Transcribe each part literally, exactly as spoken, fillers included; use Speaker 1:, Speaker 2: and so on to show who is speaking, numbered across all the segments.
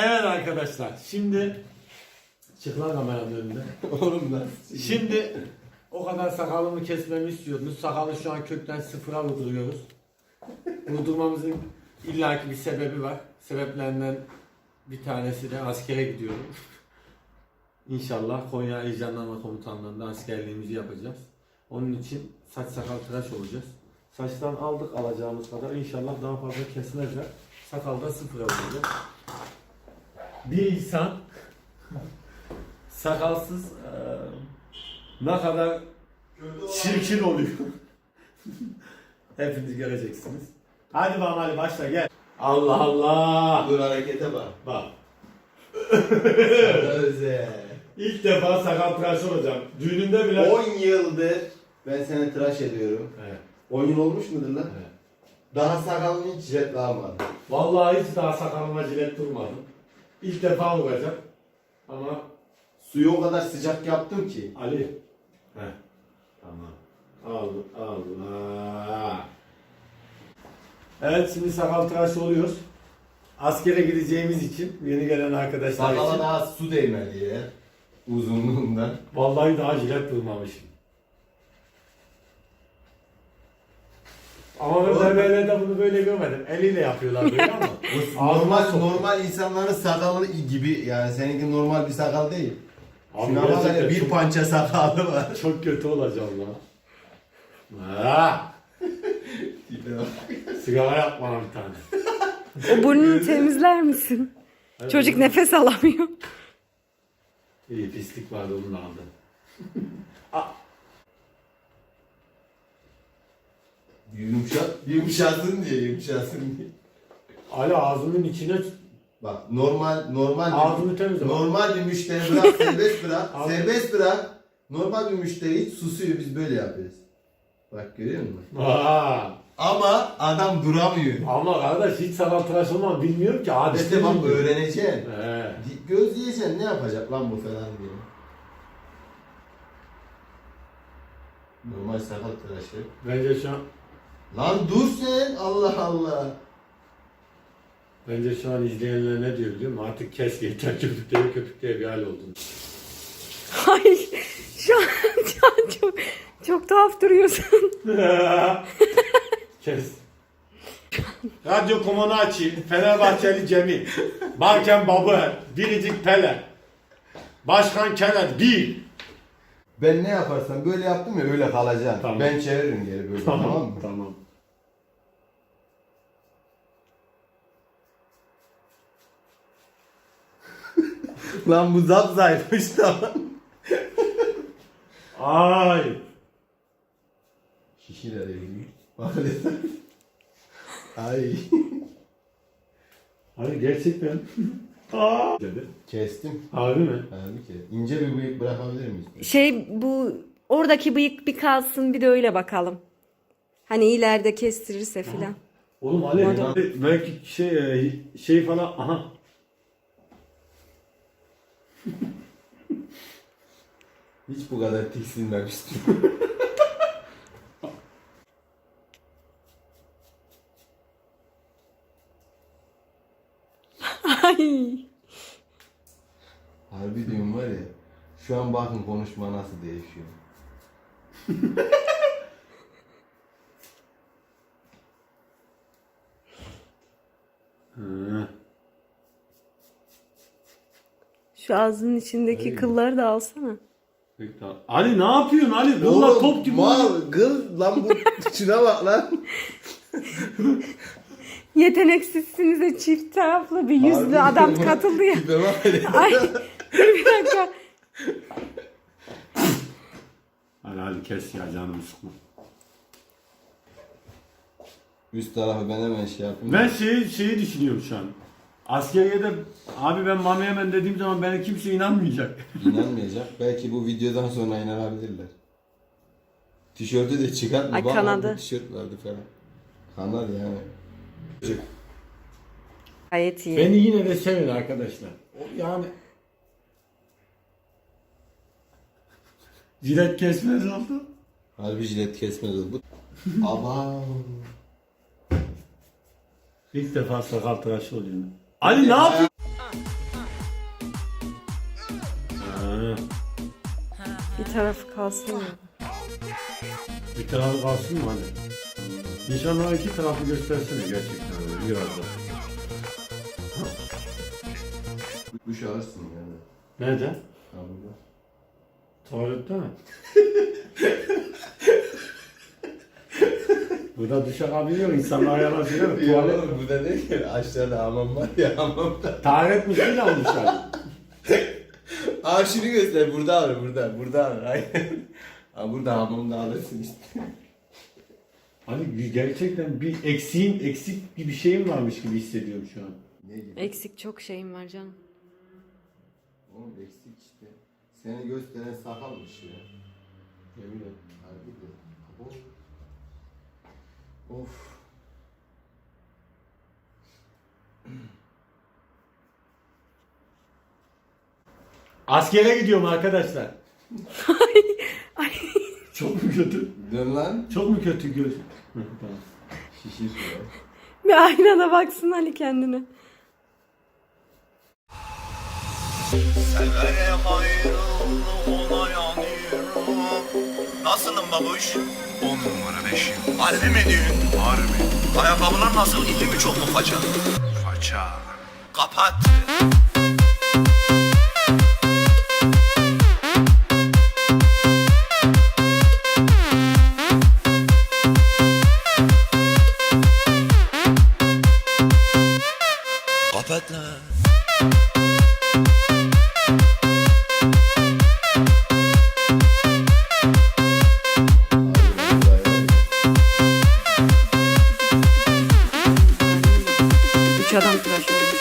Speaker 1: Evet arkadaşlar, şimdi çık lan kameranın önünde.
Speaker 2: Oğlum lan.
Speaker 1: Şimdi o kadar sakalımı kesmemi istiyordunuz. Sakalı şu an kökten sıfıra vurduruyoruz. Vurdurmamızın illaki bir sebebi var. Sebeplerinden bir tanesi de askere gidiyorum. İnşallah Konya İl Jandarma Komutanlığı'nda askerliğimizi yapacağız. Onun için saç sakal tıraş olacağız. Saçtan aldık alacağımız kadar. İnşallah daha fazla kesmezler. Sakalda sıfıra vuracağız. Bir insan sakalsız eee, ne kadar çirkin oluyor. Hepiniz göreceksiniz. Hadi bakalım, hadi başla gel. Allah Allah.
Speaker 2: Dur harekete bak.
Speaker 1: Bak.
Speaker 2: Öze.
Speaker 1: İlk defa sakal tıraş olacağım. Düğünümde bile.
Speaker 2: on yıldır ben seni tıraş ediyorum.
Speaker 1: Evet.
Speaker 2: on yıl olmuş mudur lan?
Speaker 1: Evet.
Speaker 2: Daha sakalını hiç jetlanmadı.
Speaker 1: Vallahi hiç daha sakalıma cilet durmadım. İlk defa olacak. Ama
Speaker 2: Suyu o kadar sıcak yaptım ki.
Speaker 1: Ali. Heh. Tamam. Allah Allah. Evet, şimdi sakal tıraşı oluyoruz. Askere gideceğimiz için, yeni gelen arkadaşlar
Speaker 2: Sakala
Speaker 1: için.
Speaker 2: daha su değmedi ya. Uzunluğundan.
Speaker 1: Vallahi daha jilet durmamışım. Ama ben berberlerde bunu böyle görmedim. Eliyle yapıyorlar böyle ama.
Speaker 2: Normal
Speaker 1: Ağzına sokuyor.
Speaker 2: normal insanların sakalı gibi yani seninki normal bir sakal değil.
Speaker 1: Abi
Speaker 2: Şuna bak
Speaker 1: gerçekten
Speaker 2: hele bir
Speaker 1: çok-
Speaker 2: pança sakalı var.
Speaker 1: Çok kötü olacağım lan. Ha, sigara yapma bir tane.
Speaker 3: O burnunu temizler misin?
Speaker 1: Evet,
Speaker 3: Çocuk
Speaker 1: evet.
Speaker 3: nefes alamıyor.
Speaker 1: İyi, pislik vardı, onu da aldım.
Speaker 2: Yumuşat, yumuşasın diye yumuşasın diye.
Speaker 1: Ali ağzının içine
Speaker 2: Bak normal normal
Speaker 1: Ağzını temizle.
Speaker 2: normal bir müşteri bırak serbest bırak
Speaker 1: Ağzını-
Speaker 2: serbest bırak normal bir müşteri hiç susuyor biz böyle yapıyoruz. Bak görüyor musun?
Speaker 1: Aa,
Speaker 2: Ama adam duramıyor.
Speaker 1: ama kardeş hiç sakal tıraş olmam, bilmiyorum ki adeti.
Speaker 2: İşte bak
Speaker 1: bilmiyorum.
Speaker 2: öğreneceksin.
Speaker 1: He.
Speaker 2: Göz yiyeceksin ne yapacak lan bu falan diye. Normal sakal tıraşı.
Speaker 1: Bence şu an
Speaker 2: Lan dur sen Allah Allah.
Speaker 1: Bence şu an izleyenler ne diyor biliyor musun? Artık kes yeter, köpükleri köpükleri bir hal oldun.
Speaker 3: Ay şu an, şu an çok, çok tuhaf duruyorsun.
Speaker 1: Kes. Radyo komunu açayım. Fenerbahçeli Cemil. Barken Babı. Biricik Pele. Başkan Kenan. Bir.
Speaker 2: Ben ne yaparsam böyle yaptım ya öyle kalacaksın.
Speaker 1: Tamam.
Speaker 2: Ben çeviririm geri böyle tamam, mı?
Speaker 1: Tamam.
Speaker 2: Lan bu zap zayıfmış tamam.
Speaker 1: Ay.
Speaker 2: Şişiler evli. Bak öyle. Ay.
Speaker 1: Ay gerçekten. Aa. Dedi.
Speaker 2: Kestim.
Speaker 1: Harbi mi?
Speaker 2: Halbuki ince bir bıyık bırakabilir miyiz?
Speaker 3: Şey bu oradaki bıyık bir kalsın bir de öyle bakalım. Hani ileride kestirirse filan.
Speaker 1: Oğlum Ali.
Speaker 3: Madem-
Speaker 1: Belki şey şey falan. Aha.
Speaker 2: Hiç bu kadar tiksinmemiştim.
Speaker 3: Ay.
Speaker 2: Harbi diyorum var ya. Şu an bakın konuşma nasıl değişiyor.
Speaker 1: Hı.
Speaker 3: Şu ağzının içindeki
Speaker 1: Öyle.
Speaker 3: kılları da alsana.
Speaker 1: Peki, tamam. Ali ne yapıyorsun Ali? Valla top gibi.
Speaker 2: Mal gıl lan bu şuna bak lan.
Speaker 3: Yeteneksizsinize çift taraflı bir yüzlü
Speaker 2: Harbi
Speaker 3: adam
Speaker 2: diyorum,
Speaker 3: katıldı ya.
Speaker 2: tipe bak hele.
Speaker 3: Ay dur bir dakika.
Speaker 1: Ali hadi kes ya, canımı sıkma.
Speaker 2: Üst tarafı ben hemen şey yapayım.
Speaker 1: Ben şeyi, şeyi düşünüyorum şu an. Askeriyede abi ben Mami Yemen dediğim zaman bana kimse inanmayacak.
Speaker 2: İnanmayacak. Belki bu videodan sonra inanabilirler. Tişörtü de çıkartma.
Speaker 3: Ay,
Speaker 2: Bak,
Speaker 3: kanadı.
Speaker 2: orada tişört vardı falan. Kanadı yani.
Speaker 3: Gayet iyi.
Speaker 1: Beni yine de sevin arkadaşlar. O yani jilet kesmez oldu.
Speaker 2: Harbi jilet kesmez oldu. Aba.
Speaker 1: İlk defa sakal tıraşı oluyor. Ali ne yapıyorsun?
Speaker 3: Bir tarafı kalsın ya.
Speaker 1: Bir tarafı kalsın mı hani? Nişanlığa iki tarafı göstersene gerçekten öyle biraz da.
Speaker 2: Duş alırsın yani.
Speaker 1: Nerede?
Speaker 2: Ha burada.
Speaker 1: Tuvalette mi? Burada duş alabiliyor insanlar yalan söylüyor mu? Tuvalet mi?
Speaker 2: Burada değil ki. Aşağıda hamam var ya, hamamda.
Speaker 1: Taharet musluğuyla almışlar.
Speaker 2: Aa şunu göster. Burada alır, burada. Burada alır. Aynen. Ha burada hamamda alırsın işte.
Speaker 1: Hani gerçekten bir eksiğin, eksik bir şeyim varmış gibi hissediyorum şu an.
Speaker 2: Ne gibi?
Speaker 3: Eksik çok şeyim var canım.
Speaker 2: Oğlum eksik işte. Seni gösteren sakalmış ya. Yemin ederim. Harbi de. Of. Of.
Speaker 1: Askere gidiyorum arkadaşlar.
Speaker 3: Ay.
Speaker 1: Çok mu kötü?
Speaker 2: Dön lan.
Speaker 1: Çok mu kötü göz? Hı, tamam.
Speaker 2: Şişir ya.
Speaker 3: Bir aynada baksın Ali kendine.
Speaker 4: Severem ayrılık ona yanıyorum. Nasılsın babuş? On numara beşim. Harbi mi diyorsun? Harbi. Ayakkabılar nasıl? İyi mi çok mu faça? Faça. Kapat. Kapat lan.
Speaker 3: Üç adam tıraş oldu.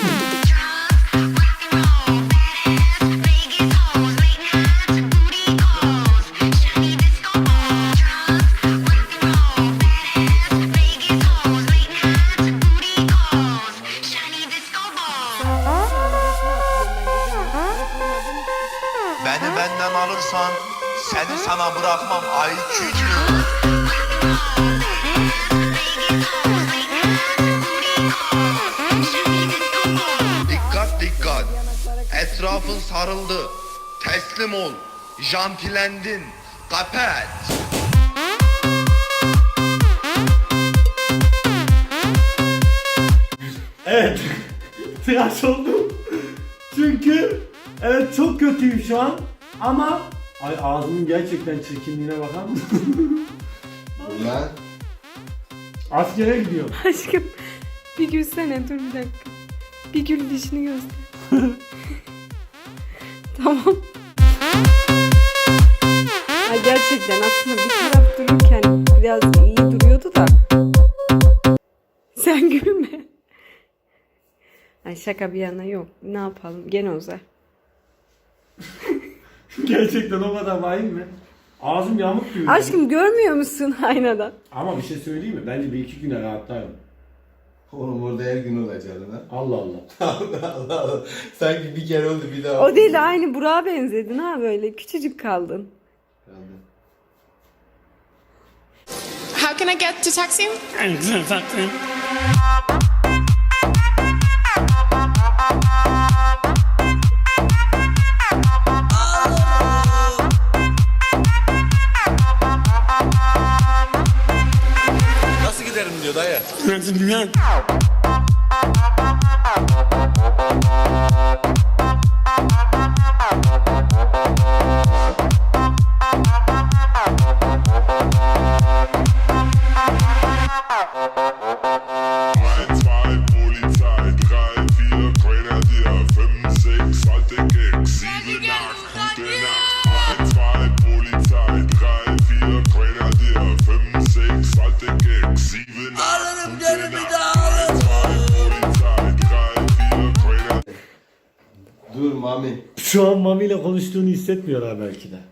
Speaker 4: Beni benden alırsan seni sana bırakmam ay küçük. Dikkat dikkat. Etrafın sarıldı. Teslim ol. Jantilendin. Kapat.
Speaker 1: Evet. Tıraş oldum. Çünkü evet çok kötüyüm şu an. Ama ay ağzımın gerçekten çirkinliğine bakar mısın?
Speaker 2: Lan.
Speaker 1: Askere gidiyorum.
Speaker 3: Aşkım bir gülsene, dur bir dakika. Bir gül, dişini göster. Tamam. Ay gerçekten aslında bir taraf dururken biraz iyi duruyordu da. Sen gülme. Ay şaka bir yana, yok. Ne yapalım? Gene uzar.
Speaker 1: Gerçekten o kadar vahim mi? Ağzım yamuk gibi.
Speaker 3: Aşkım görmüyor musun aynadan?
Speaker 1: Ama bir şey söyleyeyim mi? Bence bir iki güne rahatlarım.
Speaker 2: Oğlum orada her gün olacaksın ha.
Speaker 1: Allah Allah.
Speaker 2: Allah Allah Allah. Sanki bir kere oldu bir daha.
Speaker 3: O değil, aynı Burak'a benzedin ha, böyle küçücük kaldın.
Speaker 2: Kaldı.
Speaker 5: How can I get to Taksim?
Speaker 4: Nasıl giderim diyor dayı.
Speaker 6: eins, zwei, Polizei, drei, vier, Grenadier, fünf, sechs, alte Gags, sieben, acht, gute Nacht. eins, zwei, Polizei, drei, vier, Grenadier, fünf, sechs, alte Gags, sieben, acht, gute Nacht. eins, zwei, Polizei, drei, vier, Grenadier.
Speaker 2: Dur Mami.
Speaker 1: Şu an Mami ile konuştuğunu hissetmiyorlar belki de.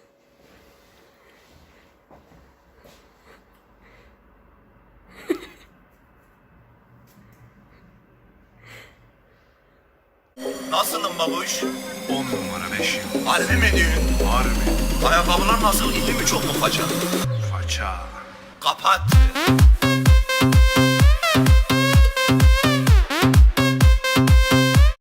Speaker 4: Nasılsın babuş? On numara beşim. Harbi mi diyorsun? Harbi. Ayakkabılar nasıl? İyi mi çok mu faça? Faça. Kapat.